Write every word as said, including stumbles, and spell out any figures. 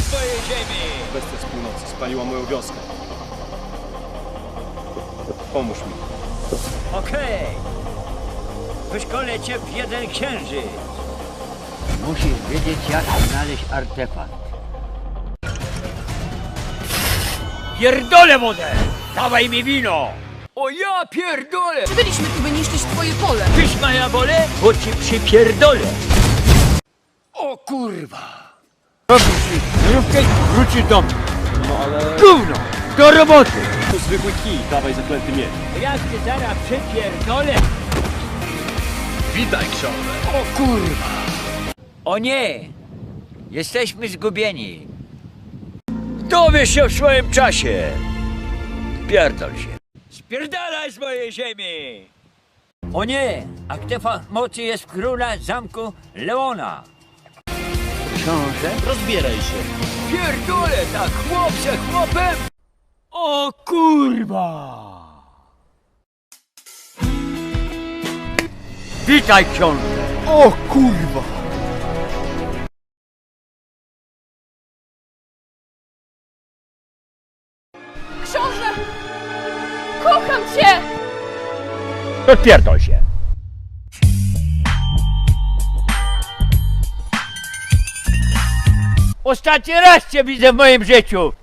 z mojej ziemi! Bestia z północy spaliła moją wioskę. Pomóż mi. Okej. Wyszkolę cię w jeden księżyc. Musisz wiedzieć, jak znaleźć artefakt. Pierdolę wodę! Dawaj mi wino! O ja pierdolę! Byliśmy tu, by niszczyć twoje pole. Tyś moja wolę, bo ci przypierdolę! O kurwa! Robisz znajomkę, wrócisz do mnie. No ale... Gówno! Do roboty! To zwykły kij, dawaj zaklęty miecz. Jak cię zaraz przypierdolę! Witaj, książę. O kurwa! O nie! Jesteśmy zgubieni. Dowiesz się w swoim czasie! Pierdol się. Spierdalaj z mojej ziemi! O nie! Artefakt mocy jest w króla zamku Leona. Książę? Rozbieraj się. Pierdolę, tak chłop ze chłopem! O kurwa! Witaj, książę! O kurwa! Książę! Kocham cię! Rozpierdol się! Ostatni raz cię widzę w moim życiu!